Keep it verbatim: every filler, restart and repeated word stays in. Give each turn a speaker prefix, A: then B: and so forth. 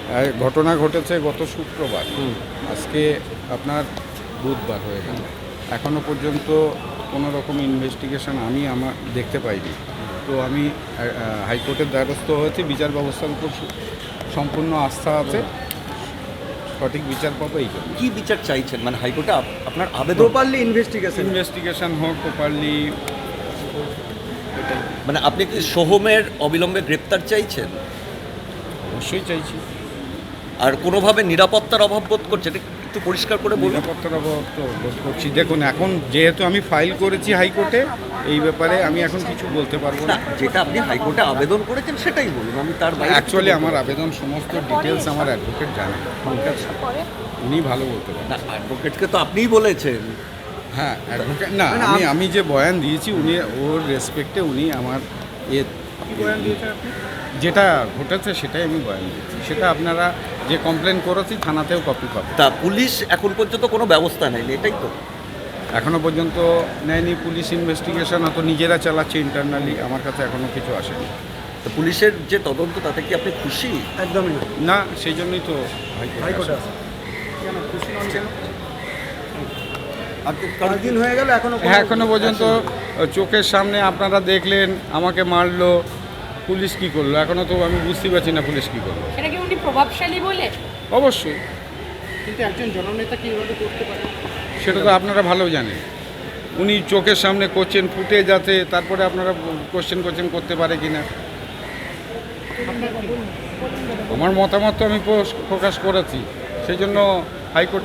A: ঘটনা ঘটেছে গত শুক্রবার, আজকে আপনার বুধবার হয়ে গেল। এখনও পর্যন্ত কোনো রকম ইনভেস্টিগেশন আমি আমার দেখতে পাইনি। তো আমি হাইকোর্টের দ্বারস্থ হয়েছি, বিচার ব্যবস্থার উপর সম্পূর্ণ আস্থা আছে, সঠিক বিচার পাবো। এই জন্য
B: কী বিচার চাইছেন, মানে হাইকোর্টে আপনার আবেদন?
C: প্রপারলি ইনভেস্টিগেশন
A: ইনভেস্টিগেশন হোক প্রপারলি।
B: মানে আপনি কি সোহমের অবিলম্বে গ্রেপ্তার চাইছেন?
A: অবশ্যই চাইছি।
B: আর কোনোভাবে নিরাপত্তার অভাব বোধ করছেন? একটু পরিষ্কার করে বলুন।
A: নিরাপত্তার অভাব তো বোধ করছি। দেখুন, এখন যেহেতু আমি ফাইল করেছি হাইকোর্টে, এই ব্যাপারে আমি এখন কিছু বলতে পারবো
B: না,
A: না।
B: যেটা আপনি হাইকোর্টে আবেদন করেছেন সেটাই বলুন, আমি তার বাইরে।
A: অ্যাকচুয়ালি আমার আবেদন সমস্ত ডিটেলস আমার অ্যাডভোকেট জানেন, উনি ভালো বলতে পারেন।
B: না, অ্যাডভোকেটকে তো আপনিই বলেছেন।
A: হ্যাঁ, অ্যাডভোকেট না, আমি আমি যে বয়ান দিয়েছি উনি ওর রেসপেক্টে উনি আমার এ
C: বয়ান দিয়েছেন আপনি?
A: যেটা ঘটেছে সেটাই আমি বয়ান দিয়েছি। সেটা আপনারা যে কমপ্লেন করেছি থানাতেও কপি পাবেন।
B: তা পুলিশ এখন পর্যন্ত কোনো ব্যবস্থা নেয়নি, এটাই তো?
A: এখনও পর্যন্ত নেয়নি পুলিশ। ইনভেস্টিগেশন হয়তো নিজেরা চালাচ্ছে ইন্টারনালি, আমার কাছে এখনও কিছু আসেনি।
B: তো পুলিশের যে তদন্ত তাতে কি আপনি খুশি?
C: একদমই না।
A: না, সেই জন্যই তো হাইকোর্টে
C: হাইকোর্টে
A: আসা।
C: আছে কেন খুশি নন কেন? পাঁচ দিন হয়ে গেল এখনো কোনো-
A: হ্যাঁ, এখনো পর্যন্ত চোখের সামনে আপনারা দেখলেন আমাকে মারলো, পুলিশ কি করলো এখনো তো আমি বুঝতে পারছি না পুলিশ কি করলো।
D: সেটা কি উনি প্রভাবশালী বলে?
A: অবশ্যই,
C: কিন্তু একজন জননেতা কি এভাবে করতে পারে?
A: সেটা তো আপনারা ভালো জানেন। উনি চোখের সামনে করছেন, ফুটে যাচ্ছে, তারপরে আপনারা কোশ্চেন কোশ্চেন করতে পারে কিনা। আমার মতামত তো আমি প্রকাশ করেছি, সেই জন্য হাইকোর্টে